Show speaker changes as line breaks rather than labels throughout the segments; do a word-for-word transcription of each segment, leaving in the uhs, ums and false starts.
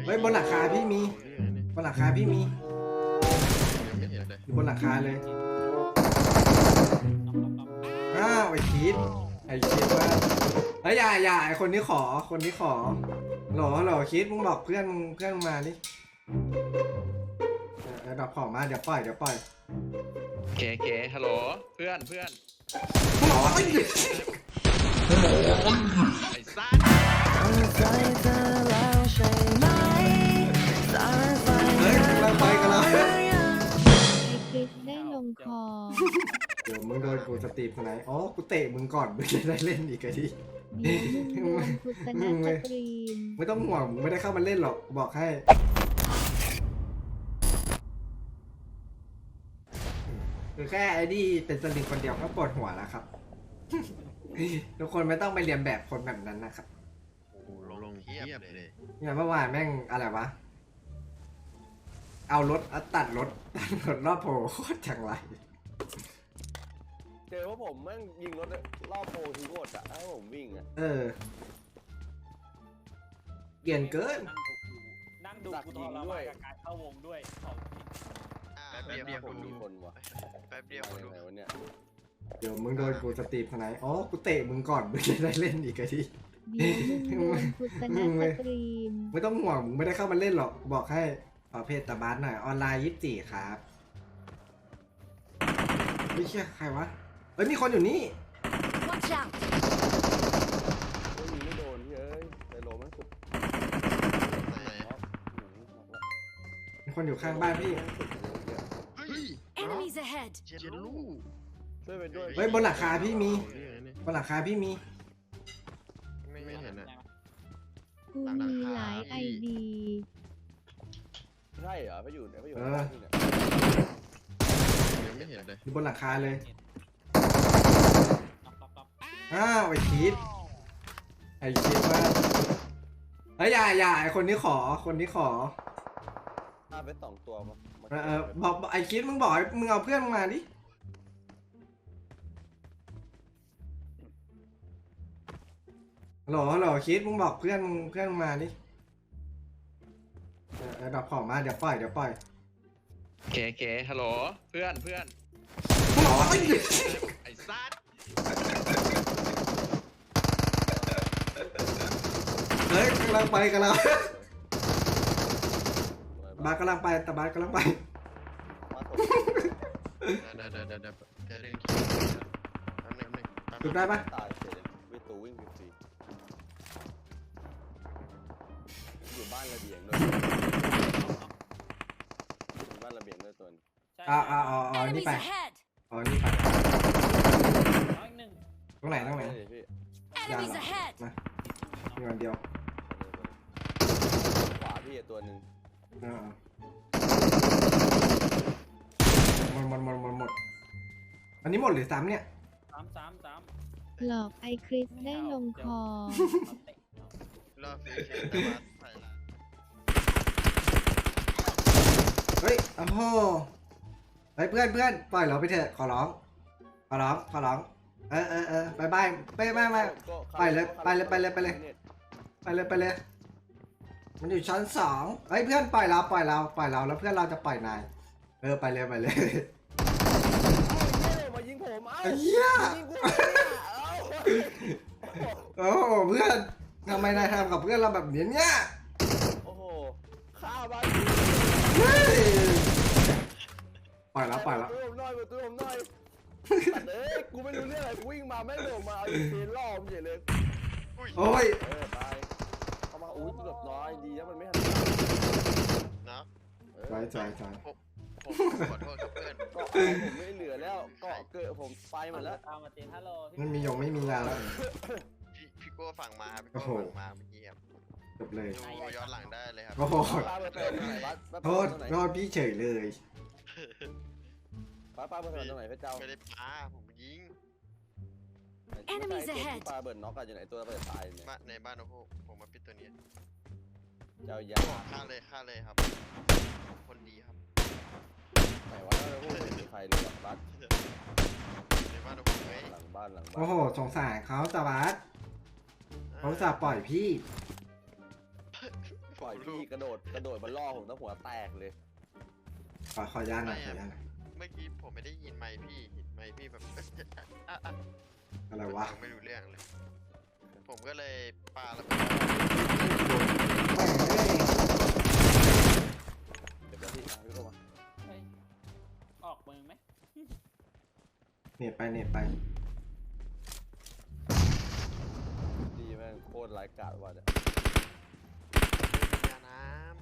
เฮ้ยบนหลังคาพี่มีบนหลังคาพี่มีอยู่บนหลังคาเลยอ้าวไอ้คิดไอ้คิดว่าเฮ้ยอย่าอย่าไอ้คนนี้ขอคนนี้ขอหรอหรอคิดมึงบอกเพื่อนมึงเพื่อนมึงมาดิเออดับของมาเดี๋ยวปล่อยเดี๋ยวปล่อย
เคเคฮัลโหลเพื่อนเพื่อน
หมอ
ไอ้ซ่า
เฮ้ยเราไปกันแล้ว
ไอคริสได้ลงคอ
เดี๋ยวมึงโดนกูสตรีมคนไหนอ๋อกูเตะมึงก่อนมึงจะได้เล่นอีกไอ้ที
เดี๋ยวมึงโดนคุสนาสตรีม
ไม่ต้องห่วงมึงไม่ได้เข้ามาเล่นหรอกบอกให้คือแค่ไอ้นี่เป็นสลิงคนเดียวก็ปวดหัวแล้วครับ ทุกคนไม่ต้องไปเรียนแบบคนแบบนั้นนะครับ
โอ้โหลงเทียบเลย
เนี่ยเมื่อวานแม่งอะไรวะเอารถเอาตัดรถตัดรถรอบโพโคตรจังไร
เจอว่าผมแม่งยิงรถรอบโพทิ้งหมดอะให้ผมวิ่งอะ
เออเกลียนเกิน
นั่งดูกูทรมานกับการเข้าวงด้วยของจริง
แป๊บเดียว
ผมมีคนวะ
แป๊บเดียวคนดู
ไหนวะเนี่ย
เดี๋ยวมึงโดนกูสตรีมคนไหนอ๋อกูเตะมึงก่อนมึงจะได้เล่นอีกไอ้ที
เดี๋ยวมึงโดนคุสนาสตรีม
ไม่ต้องห่วงมึงไม่ได้เข้ามาเล่นหรอกบอกให้ขอเพจตาบาสหน่อยออนไลน์ยี่สิบสี่ครับไม่เชื่อใครวะเอ้ยมีคนอยู่นี่
Watch out
ไม่ยิงไม่โดนเฮ้ยไซโลแม่งสุด
มีคนอยู่ข้างบ้านพี่
เฮ้ย
Enemies ahead
เจนลูก
ช่วยไปด้วย
เฮ้ยบนหลังคาพี่มีบนหลังคาพี่มี
ไม่เห็นอ่ะ
กูมีหลายไอดี
ใช่เหรอไปอยู่เนี่ยไปอยู่
เอ
ข้าง
อ
บ้านนี่เนี่ย
ยังไม่เห็นเลย
อยู่บนหลังคาเลย
ต๊อกต๊อกต๊อก
อ้าวไอ้คิดไอ้คิดว่าเฮ้ยอย่าอย่าไอ้คนนี้ขอคนนี้ขอ
ฆ่าไปสองตัวมามา
เออเออบอกบอกไอ้คิดมึงบอกให้มึงเอาเพื่อนมึงมาดิหรอหรอคิดมึงบอกเพื่อนมึงเพื่อนมึงมาดิเออเออดับของมาเดี๋ยวปล่อยเดี๋ยวปล่อย
เคเคฮัลโหลเพื่อนเพื่อน
หมอ
ไอ้ซ่า
เฮ้ยกำลังไปกันแล้วบาสกำลังไปแต่บาสกำลังไป
มาตก
เดี๋ยวเดี๋ยวเดี๋ยวเดี๋ยวเดี๋ยวเดี๋ยวแป๊บนึงแป๊บนึงแป๊บนึง
จุดได้ปะ
ตายเฉยเลยวิตูวิ่งฟรีอยู่บ้านระเบียงด้วยอยู่บ้านระเบียงด้วยตัวนี้
ใช่
อ่าอ่าอ๋ออ๋อนี่
Enemies
ไป
ahead
อ๋อนี่ไป
น้อยหนึ่ง
ตรงไหนตรงไหน
ด้พี่
Enemies ahead
มามีวันเดียว
ขวาพี่ตัวหนึ่ง
เออหมดหมดหมดหมดหมดอันนี้หมดหรือซ้ำเนี่ย
สามสามสาม
หลอกไอคริสได้ลงคอ
รอบฟิวเชนแต่ว่าใส่ละ
เฮ้ยโอ้โหเฮ้ยเพื่อนเพื่อนปล่อยเราไปเถอะขอร้องขอร้องขอร้องเออเออเออบายบายไม่ไม่ไม่ ไปเลยไปเลยไปเลยไปเลย ไปเลยไปเลยมันอยู่ชั้นสองเฮ้ยเพื่อนปล่อยเราปล่อยเราปล่อยเราแล้วเพื่อนเราจะปล่อยนายเออไปเลยไปเลย
มายิงผมเอ้า
ไอ้เหี้ย
ยิงกูเอ้า
โอ้โหเพื่อนทำไมนายทำกับเพื่อนเราแบบนี้เนี่ย
โอ้โหฆ่าบ้าน
เฮ้ยปล่อยแล้วปล่อยแล้ว
ตัวผมหน่อยตัวผมหน่อยตัดเอ้ยกูไม่รู้เรื่องอะไรกูวิ่งมาแม่งโดดมาเอาอีเทนล่อมเฉยเลย
โอ้ย
เออตายเข้ามาอุ้ยเกือบน้อยดีนะมันไม่ทัน
เนาะ
เออ
ใช่ใช่ใช่
ผมผมขอโทษครับเพื่อน
เกาะเอาผมไม่เหลือแล้วเกาะเกิดผมไปหมดแล้ว
ตามมาเจนฮัลโหล
มันมียงไม่มียาแล้ว
พี่พี่โก้ฝั่งมาพี่โก้ฝั่งมาเมื่อกี้ครับ
จบเลย
ดูย้อนหลังได้เลยครับ
โอ้โห
ป้าเปิดตรงไหนบัสป้า
โท
เปิ
ษ
ดตรงไหน
โทษพี่เฉยเลย
ป้าป้าเปิดตรงไหนพระเจ้า
ไม่ได้ปาผมยิง
Enemies
ตัว
ahead
ที่ปลาเบิร์นน็อกกันอยู่ไหนตัวเปิดตายเนี่ย
บ้านในบ้านโอ้โหผมมาปิดตัวนี้
เจ้ายา
ฆ่าเลยฆ่าเลยครับ คนดีครับ
ไหนวะแล้วพูดไม่มีใครเลยหรอกบัส
ในบ้านโอ้โหเฮ้ย
หลังบ้านหลังบ้าน
โอ้โหสงสารเขาตาบัสเขาจะปล่อยพี่
ปล่อยพี่กระโดดกระโดดมาล่อผมตั้งหัวแตกเลย
ขอขอยาหน่อยขอยาหน่อย
เมื่อกี้ผมไม่ได้ยินไมค์พี่เห็นไมค์พี่แบบ อ่ะอ่ะ
อะไรวะ
ฟังไม่รู้เรื่องเลย ผมก็เลยปาแล้ว
แม่งเอ้ย
เดี๋ยวพี่เอาพี่เข้ามา
เฮ้ยออกมือไหม
เน็ตไปเน็ตไป
ดีแม่งโคตรไร้กาดว่ะเนี่ย
ยาน้ำ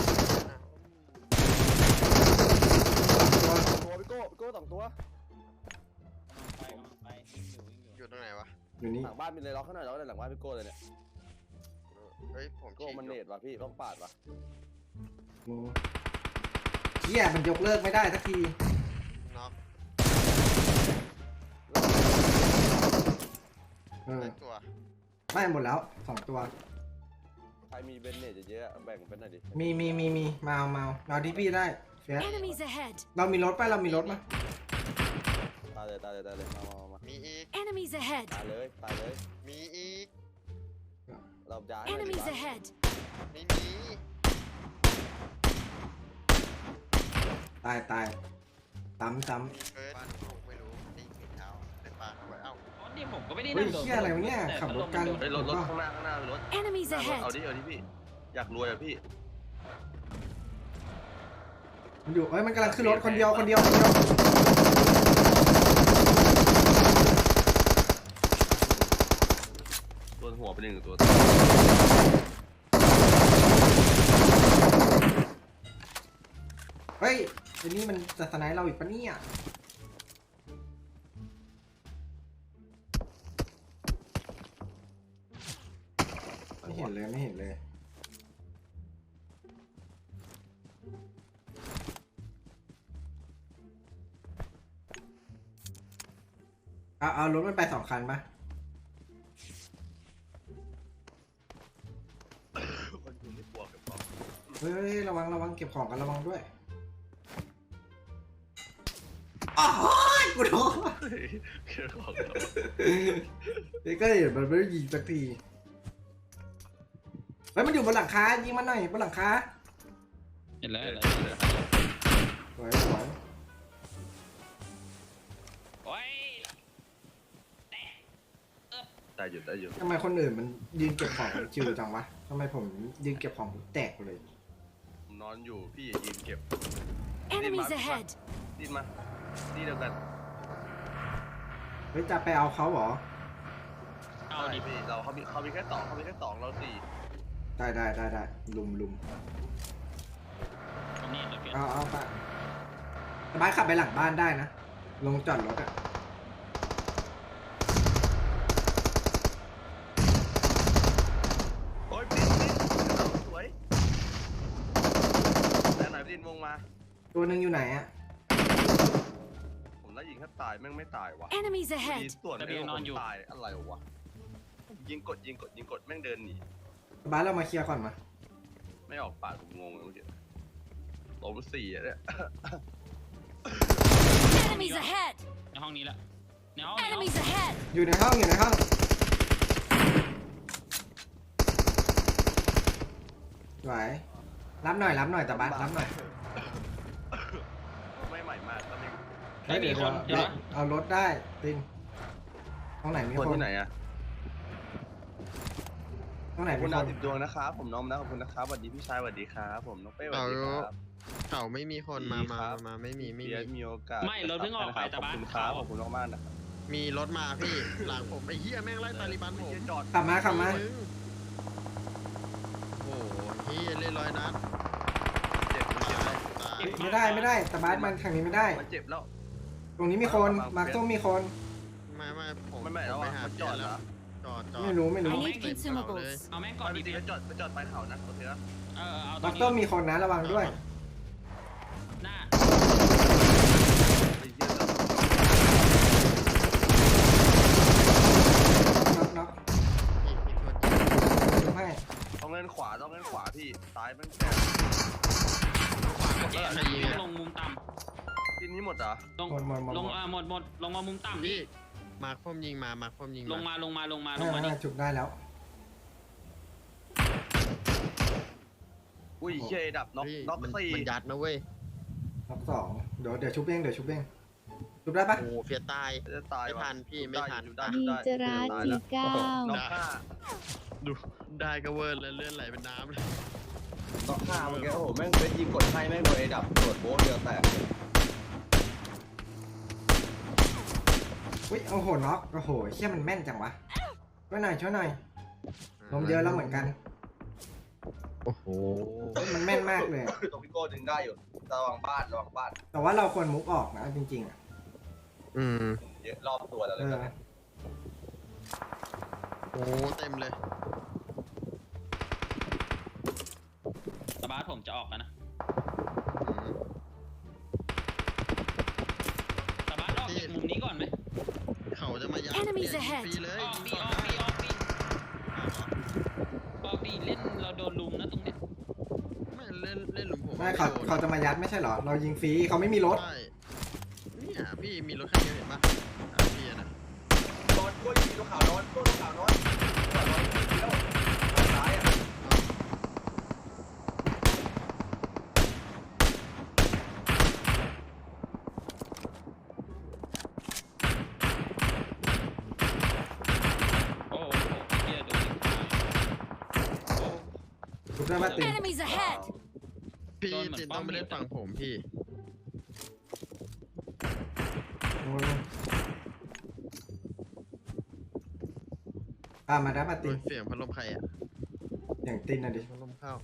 ตัวพี่โก้พี่โก้สองตัว
ไปกำลังไปวิ่งอยู่วิ่งอยู่
อยู่ตรงไหนวะ
อยู่นี่
หลังบ้านมีเลยล็อกข้างหน้าล็อกในหลังบ้านพี่โก้เลยเนี่ย
เฮ้ยผม
โก้มันเนตว่ะพี่ต้องปาดว่ะ
งูเฮียมันยกเลิกไม่ได้สักที
น็อก
เออ
ได้ตัว
ไม่หมดแล้วสองตัว
ใครมีเบนเนตเยอะๆแบ่งเป็นหน่อยดิ
มีมีมีมีมาเอามาเอาเอาที่พี่ได้เฟียส
Enemies ahead!
เรามีรถไปเรามีรถมา
ตายเลยตายเลยตายเลยมามามา
มีอีก
Enemies ahead!
ตายเลยตายเลย
มีอีก
เราย้าย
Enemies ahead!
ไม่มี
ตายตายซ้ำซ้
มีเฟิร์สบ้านผมไม่รู้ได้ยินเท้าได้ปลาเข้าไปเอ้า
อ๋อนี่ผมก็ไม่ได้
ำเฮ้ย
นั่งโดด
เฮียอะไรวะเนี่ย
แต่
ขับรถกัน
พัดลมมัโดด
เฮ้ยรถรถข้างหน้าข้างหน้ามีรถ
Enemies
หน้ารถ
ahead!
เอาดิเอาดิพี่ อยากรวยอ่ะพี่
มันอยู่เอ้ยมันกำลังขึ้นรถคนเดียวคนเดียวคนเดียว
ตัวหัวเป็นหนึ่งตัว
เฮ้ยไอ้นี่มันจะสไนป์เราอีกปะเนี่ยไม่เห็นเลยไม่เห็นเลยเอาเอารถมันไปสองคันปะ
คนอยู่ในบวกกับของ
เฮ้ยระวังระวังเก็บของกันระวังด้วยอ้าวกูโดน
เฮ้ยเกี่ยวของเรา
เฮ้ยก็เห็นมันไม่ได้ยิงสักทีเฮ้ยมันอยู่บนหลังคายิงมันหน่อยบนหลังคา
เห็นแล้ว
เอ
เห็
อน
แล้ว
เออ
สวยสวย
โอ้ย
ได้อยู่ได้อยู่
ทำไมคนอื่นมันยืนเก็บของชิวจังวะทำไมผมยืนเก็บของแตกเลย
ผมนอนอยู่พี่ยืนเก็บ
Enemies ahead!
ดิ้นมาดิ้นเดียวกัน
เฮ้ยจะไปเอาเขาเหรอ
เอาดิ
พี่เราเขามีเขามีแค่สองเขามีแค่สองเราสี่
ได้ได้ได้ได้ลุมลุม
ตรงนี้เดี๋ยวเปลี่ยน
เอาเอาไปสบายขับไปหลังบ้านได้นะลงจอดรถอะ
โอ้ยดิ้นดิ้นเราสวยแล้วไหนดิ้นวงมา
ตัวหนึ่งอยู่ไหนอะ
ผมไล่ยิงแค่ตายแม่งไม่ตายวะ
Enemies
ดี
ahead!
ส่วนไอ้ผมตายอะไรวะยิงกดยิงกดยิงกดแม่งเดินหนี
สบายเรามาเคลียร์ก่อนมา
ไม่ออกปากผมงงเลยเมื่อกี้ล้มสี่อะเนี่ย
Enemies ahead!
ในห้องนี้ละในห้องในห้อง
Enemies ahead!
อยู่ในห้องอยู่ในห้องไหวรับหน่อยรับหน่อยแต่บ้านรับหน่อย
ไม่ใหม่มากตอนนี้
ไม่มีคน
เดี๋
เดี๋
ย
ยว ว
เอารถได้ตินตรงไหนมี
คน
คน
ที่ไหนอะ
ตรงไหน
ขอบ
มี
คุณ
ค
ดาวน สิบดวงนะครับผมน้องนะขอบคุณนะครับสวัสดีพี่ชายสวัสดีครับผมน้องเป้สวัสดีครับ
เขาไม่มีคนมา
ดี
มา
ครับ
มาไม่มีไม่
เบีย
มี
ร์มีโอกาส
ไม่รถเพิ่งออกไป
ขอบคุณค
แต่
รับ
บ้าน
ขอบคุณมากๆนะครับ
มีรถมาพี่ หลังผมไอ้เหี้ยแม่งไล่ตาลิบันผม
เหี้ยจอด
ขับมาขับมา
มึงโอ้โหเหี้ยเล่นร้อยนัด
เจ็บมันเจ็บแล้ว
ตาย
ไม่ได้ไม่ได้แต่บ้านมันทางนี้ไม่ได้
มันเจ็บแล้ว
ตรงนี้มีคนมาร์คส้มมีคน
ไม่ไม่ผม
ไม่ไม่
ผ
แล้ว
ไป
อะ
หา
มัน
เป
จ
ลี่ย
อน ด
แล้
เหร
ว
อ
จอดจอด
ไม่รู้ไม่รู้
I
เอา
need consumables.
เอาแม่งก่
ก่
อ
อน น
ดิ
จริงๆก็จอดไปจอดปลายเขานะโอเคนะ
เออเอาตร
มาร์
ง
คส้ม
นี้
มีคนนะระวังด้วย
หน้า
ไอ้เหี้ย
น็อกน็อก
อีกอีกตัว
ดูให้
ต้องเล่นขวาต้องเล่นขวาพี่ซ้ายมันแก่
เจ๊นะยิงลงมุมต่
ทีนี้หมดเหรอ
ำลง
หมดหมดหมด
ลงอ่าหมดหมดลงมามุมต่ำ
พี่
พี่
มาร์คพ่มยิงมามาร์คพ่มยิง
ลงมาลงมาลงมาล
อ่าง
มานี่
อ่าจุกได้แล้ว
อุ้ยเชยดับน็อก
เฮ้ย
น็อก
มัน
สี่
มันยัดนะเว้ย
รอบสองเดี๋ยวเดี๋ยวชุบเองเดี๋ยวชุบเองชุบได้ปะ
โอ้เฟียตาย
จะตาย
ไม่
วะ
ทันพี่ไม่ทัน
ได้
ดี
ได้
จราจีเก้า
น็อกห้า
ดูได้ก็เวิร์ดแล้วเลื่อนไหลเป็นน้ำเลย
น็อกห้าเมื่อกี้โอ้โหแม่งเป็นยิงกดให้แม่งโดนไอ้ดับโดดโบ๊ทเดียวแตก
อุ้ยโอ้โหน็อกโอ้โหเชี่ยมันแม่นจังวะช่วยหน่อยช่วยหน่อยลมเยอะแล้วเหมือนกัน
โอ้โห
เฮ้ยมันแม่นมากเลย
ตรงพี่โก้ดึงได้อยู่ระวังบ้านระวังบ้าน
แต่ว่าเราควรมุกออกนะจริงๆอ่ะ
อืม
เยอะรอบตัวแล้ว
เอ
เลย
อ
นะ
โอ้เต็มเลย
สบาร์ทผมจะออกแล้วนะ
อืม
สบาร์ทออกจากมุมนี้ก่อนไหม
เขาจะมายัด
Enemies
เนี่ย
ahead
ฟรีเลย
ออกดีออกดีออกดีออกดีเล่นเราโดนลุมนะตรงเนี้ย
ไม่เล่นเล่นหลุมผม
ไม่เขา
โดน
เขาจะมายัดไม่ใช่เหรอ เรายิงฟรีเขาไม่มีรถ
ใช่เนี่ยพี่มีรถคันเดียวเห็นปะอ่ะพี่อะนะ
นอนกล้วยมีตัวขาวนอนตัวขาวนอนขาวนอนแล้วซ้ายอ่ะ
โอ้โหเฮียโดนยิงตายโอ้
ชุบได้ปะติน
Enemies ahead!
พี่
โดนเหมือน
ตินต้องไป
ป้อม
เล่นฝั่งผมพี่
โอ้ยตามมาได้ปะ
โด
ติน
นเสียงพัดลมใครอ่ะ
อย่างตินนะดิ
พัดลมเข้า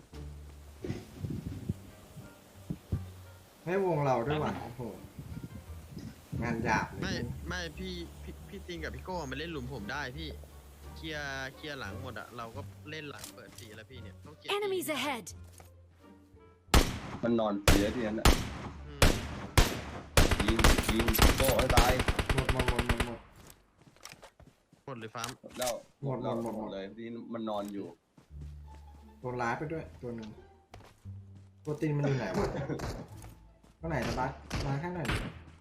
ไม่วงเราด้วยว่ะโอ้โหงานหยาบเล
ไม่
ย
ไม่พี่พี่พี่ตินกับพี่โก้มาเล่นหลุมผมได้พี่เคลียร์เคลียร์หลังหมดอ่ะเราก็เล่นหลังเปิดสีแล้วพี่เนี่ยต้องเคลียร์
Enemies ahead!
มันนอนเสียทีนั้นอ่ะ
อืม
ยิงยิงโก้ให้ตาย
หมดหมดหมดหมดหมด
หมดเลยฟาร์ม
แล้ว
หมดหมดหมดหมด
เลยที่มันนอนอยู่
โดนร้ายไปด้วยตัวหนึ่งตัวตินมันอยู่ไหนวะตัวไหนนะบัสมาข้างไหนอยดิ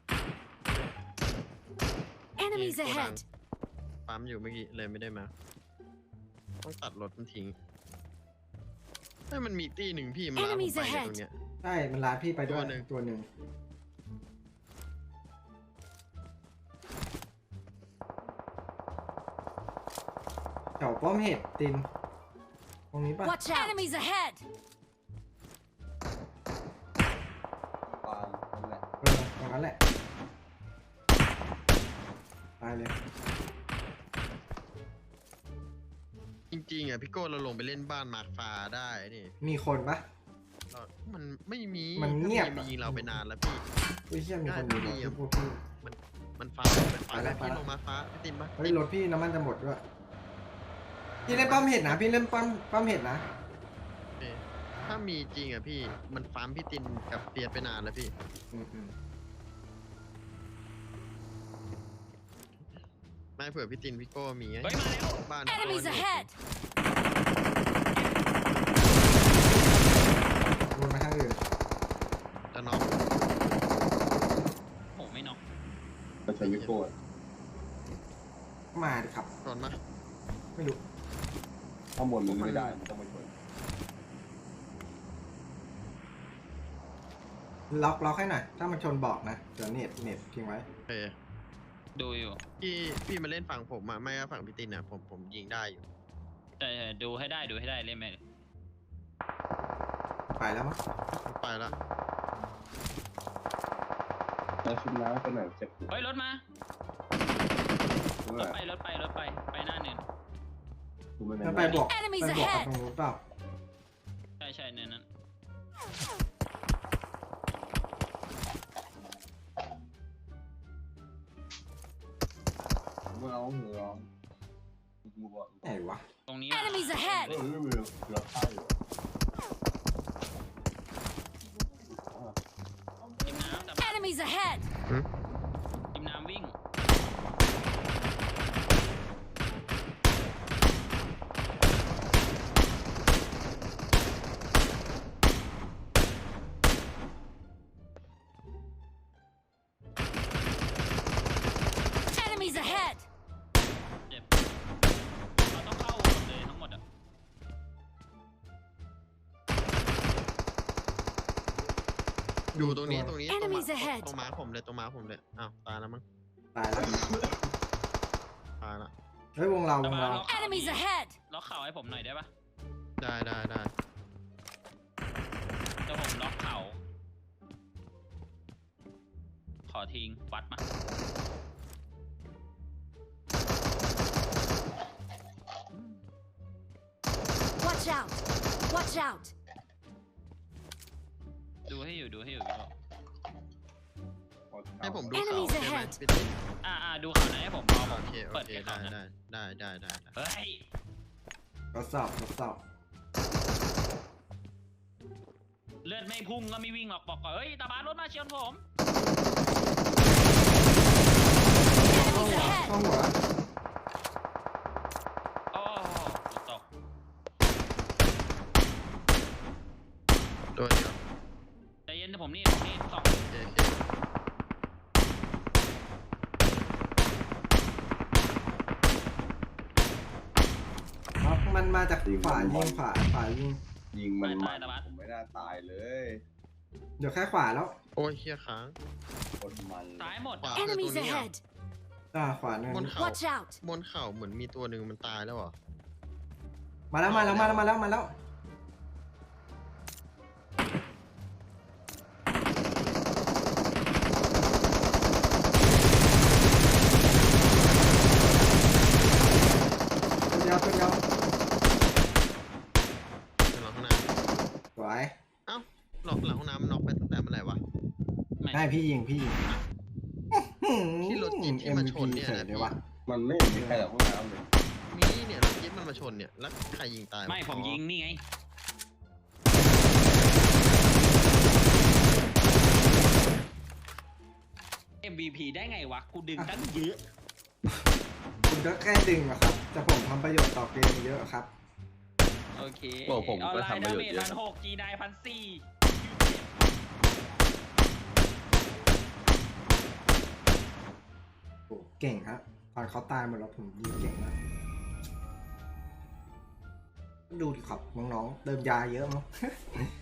Enemies
โกดัง
ahead!
ฟาร์มอยู่เมื่อกี้เลยไม่ได้มา ต้องตัดรถมันทิ้งเฮ้ยมันมีตีหนึ่งพี่มันลามผม
Enemies
ไปเนี่ย
ahead
ตรงเนี้ย
ใช่มันร้ายพี่ไปด้วย
ตัวหนึ่ง
ตัวหนึ่งแถวป้อมเห็ดตินตรงนี้ปะ
Watch out! Enemies ahead!
ปางนั่นแหละ
เออตรงนั้นแหละตายเลย
จริงๆอ่ะพี่โก้เราลงไปเล่นบ้านมาร์คฟ้าได้นี่
มีคนปะ
เรามันไม่มี
มันเงียบ
ถ้ามีมันยิงเราไปนานแล้วพี่
อุ้ยเชี่ยมีคน
ได้
อยู่
ไม่มี
ที่
อะ
พวกพี่
มันฟ้ามันฟ้า
ไปแล้
แล้ว
ว
พี่
ไปแล้ว
ลงมาฟ้าพี่ตินปะ
เฮ้ยรถพี่น้ำมันจะหมดด้วยพี่เล่นป้อมเห็ดนะพี่เล่นป้อมป้อมเห็ดนะ
โอเคถ้ามีจริงอ่ะพี่มันฟาร์มพี่ตินกับเปียดไปนานแล้วพี่
อืมอืม
ไม่เผื่อพี่ตินพี่โก้มีไง
เฮ้ยมาแล้ว
บ้าน
Enemies
โดน
ahead!
วนมาทางอื่น
จะน็อก
โอ้ไม่น็อก
มันจะไม่โก้
มาดิครับ
โดนมา
ไม่รู้
ข้างบนมันไม่ได้มันต้องไปชน
ล็อกล็อกให้หน่อยถ้ามันชนบอกนะเดี๋ยวเน็ตเน็ตทิ้งไว้
โอเค
ดูอยู่
พี่พี่มาเล่นฝั่งผมอ่ะไม่ก็ฝั่งพี่ตินอ่ะผมผมยิงได้อยู่
ใช่ใช่ดูให้ได้ดูให้ได้เล่นไหม
ไปแล้วมั้ง
ไปละ
แล้วชุดน้ำไปไหนเจ็บ
เฮ้ยรถมา
เมื่
ร
อ
ถไปรถไปรถไปไปหน้าเนิน
กูไม่
มัน
ได้
ไปบอกไป
Enemies
บอกกับ
ahead
ตรงนู้นเปล่า
ใช่ใช่เนินนั้น
เมื่อเอาเหงื่อกูบอก
ไหนวะ
ตรงนี้
Enemies ahead!
เออไม่มีเกือบตายอยู่
จิมน้ำแต่
Enemies ahead!
จิมน้ำวิ่ง
Enemies ahead!
เจ็บเราต้องเข้าหมดเลยทั้งหมดอ่ะ
อยู่ตรงนี้ตรงนี้ตรงมา
Enemies ahead
ตรงมาผมเลยตรงมาผมเลยอ้าวตายแล้วมั้ง
ตายแล้ว
ตายละ
เฮ้ยวงเราวงเรา
Enemies ahead!
ล็อกเข่าให้ผมหน่อยได้ปะ
ได้ได้ได้
เดี๋ยวผมล็อกเข่าขอทิ้งวัดมา
Watch out! Watch out!
ดูให้อยู่ดูให้อยู่พี่โต
ให้ผมดู
Enemies
เขาใช่ไหม
ahead
พี่ติ๊ก
อ่าอ่าดูข่าวไหนให้ผมรอผ
โอ
ม
เคโอ
เปิด
เค
ให้
ได้
ข่าวนะ
ได้ได้ได้ได้ได้
เฮ้ย
ทดสอบทดสอบ
เลือดไม่พุ่งก็ไม่วิ่งหรอกบอกก่อนเฮ้ยตาบานรถมาเชียนผม
เข้า
Enemies
หัว
ahead!
เข้าหัว
โอ้กูตก
ตัวเดียว
ใจเย็นนะผมนี่ผมนี่สอง
โอเคโอเค
เอามันมาจากขวายิงขวาขวายิง
ยิงมันมันผมไม่น่าตายเลย
เดี๋ยวแค่ขวาแล้ว
โอ้ยเฮียค้าง
คนมัน
ซ้ายหมด
ขวา
Enemies ahead!
อ่าขวาหนึ่ง
บนเขา
Watch out!
บนเขาเหมือนมีตัวหนึ่งมันตายแล้วเหรอ
มาแล้วมาแล้วมาแล้วมาแล้วมาแล้วตัวเดียวตัวเดียว
หลังห้องน้
สวย
ำเอ้าหลอกหลังห้องน้ำมันน็อกไปตั้งแต่เมื่อไหร่วะ
ไม่
ให้พี่ยิงพี่ยิง
ที่รถจิ๊บที่มาชนเนี่ยนะ
เฉยเลยวะ
มันไม่มีใครหรอกห้องน้ำเลย
มีเนี่ยรถจิ๊บมันมาชนเนี่ยแล้วใครยิงตายวะ
ไม่ผมยิงนี่ไง เอ็ม วี พี ได้ไงวะ กูดึงตั้งเยอะ
คุณก็แค่ดึงอะครับแต่ผมทำประโยชน์ต่อเกมเยอะครับ
โอเค
โอ้ผม
ออน
ก็
ไลน์
ทำป
ดา
ระโยช
เม
น์
จ
เย
พั
อะ
นหกจีนายพันสี่
โอ้เก่งครับตอนเขาตายหมดแล้วผมยิงเก่งมากดูดิครับน้องๆเติมยาเยอะมั้ง